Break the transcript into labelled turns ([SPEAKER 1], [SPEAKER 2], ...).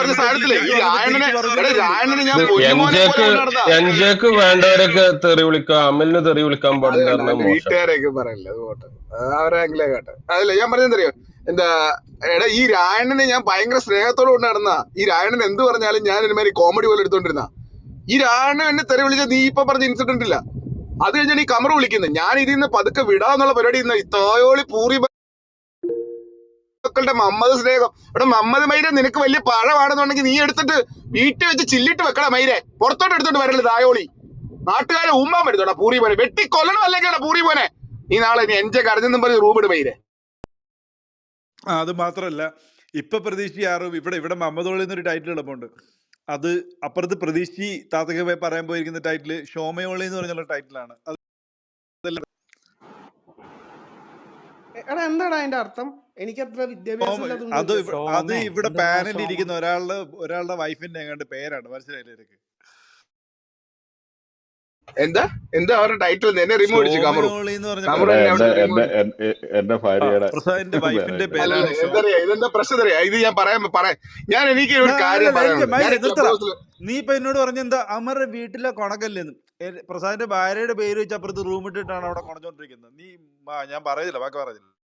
[SPEAKER 1] പറഞ്ഞ സാധനത്തില് ഈ രായണ്ണനെ രായണ്ണനെ ഞാൻ
[SPEAKER 2] ഇത്
[SPEAKER 1] പൊന്നുമോനെ പോലെ കൊണ്ട് നടന്ന
[SPEAKER 2] എൻജെക്ക് വേണ്ടവരൊക്കെ തെറി വിളിക്കാം, അമലിന് തെറി വിളിക്കാൻ
[SPEAKER 1] അത്
[SPEAKER 2] പാടില്ല
[SPEAKER 1] കണ്ട
[SPEAKER 2] പറഞ്ഞാൽ
[SPEAKER 1] എന്റെ
[SPEAKER 2] മോശം.
[SPEAKER 1] വീട്ടുകാരെയൊക്കെ പറയല്ലേ, അത് പോട്ടെ, അവരെ ആംഗിലേ കേട്ടെ. അതല്ല ഞാൻ പറഞ്ഞെന്തറിയോ, എന്താ എടാ ഈ രായണ്ണനെ ഞാൻ ഭയങ്കര സ്നേഹത്തോടെ കൊണ്ട് നടന്ന, ഈ രായണ്ണൻ എന്ത് പറഞ്ഞാലും ഞാൻ ഒരുമാതിരി കോമഡി പോലെ എടുത്തോണ്ടിരുന്ന, ഈ രായണ്ണൻ എന്നെ തെറി വിളിച്ച നീ ഇപ്പൊ പറഞ്ഞ ഇൻസിഡന്റ് ഇല്ല, അത് കഴിഞ്ഞാൽ ഈ കമറ് വിളിക്കുന്നത്, ഞാൻ ഇതിന്ന് പതുക്കെ വിടാന്നുള്ള പരിപാടി ഇന്ന് ഈ തോയോളി പൂറി മക്കളുടെ മമ്മദ് സ്നേഹം. എടാ മമ്മദ് മൈരെ, നിനക്ക് വലിയ പഴമാണെന്നുണ്ടെങ്കിൽ നീ എടുത്തിട്ട് വീട്ടിൽ വെച്ച് ചില്ലിട്ട് വെക്കടാ മൈരെ, പുറത്തോട്ട് എടുത്തോട്ട് വരല്ലേ തായോളി. നാട്ടുകാരെ ഉമ്മാൻ പറ്റുത്തോടാ പൂറി പോനെ, വെട്ടി കൊല്ലണം അല്ലെങ്കിൽ പൂറി പോനെ. നീ നാളെ നീ എന്റെ കരഞ്ഞെന്നും പറഞ്ഞ് റൂം ഇട് മൈരെ.
[SPEAKER 3] അത് മാത്രല്ല, ഇപ്പൊ പ്രതീക്ഷ ആറും ഇവിടെ മമ്മദോളി എന്നൊരു ടൈറ്റിൽ എളുപ്പമുണ്ട്. അത് അപ്പുറത്ത് പ്രതീക്ഷി താത്തക പറയാൻ പോയിരിക്കുന്ന ടൈറ്റില് ഷോമയോളി എന്ന് പറഞ്ഞുള്ള ടൈറ്റിലാണ്.
[SPEAKER 4] എന്താടാ അതിന്റെ അർത്ഥം? എനിക്ക് അത്ര വിദ്യാഭ്യാസം
[SPEAKER 3] അത് ഇവിടെ പാനലിൽ ഇരിക്കുന്ന ഒരാളുടെ വൈഫിന്റെ എങ്ങാണ്ട് പേരാണ്, മനസ്സിലായില്ലേ നിനക്ക്?
[SPEAKER 1] എന്താ എന്താ അവരുടെ ടൈറ്റിൽ എന്നെ റിമൂവ് അടിച്ചു കമറു.
[SPEAKER 2] എന്റെ ഭാര്യയുടെ
[SPEAKER 3] പ്രസാദിന്റെ വൈഫിന്റെ പേരാണ്.
[SPEAKER 1] ഇതെന്താ പ്രശ്നം അറിയാ, ഇത് ഞാൻ പറയാം. ഞാൻ എനിക്ക് ഒരു കാര്യം പറയാനുണ്ട്.
[SPEAKER 3] നീ ഇപ്പൊ എന്നോട് പറഞ്ഞെന്താ അമറുടെ വീട്ടിലെ കൊണക്കല്ലെന്ന്. പ്രസാദിന്റെ ഭാര്യയുടെ പേര് വെച്ച് അപ്പുറത്ത് റൂം ഇട്ടിട്ടാണ് അവിടെ കൊണച്ചോണ്ടിരിക്കുന്നത്. നീ ഞാൻ പറയുന്നില്ല, ബാക്കി പറയുന്നില്ല.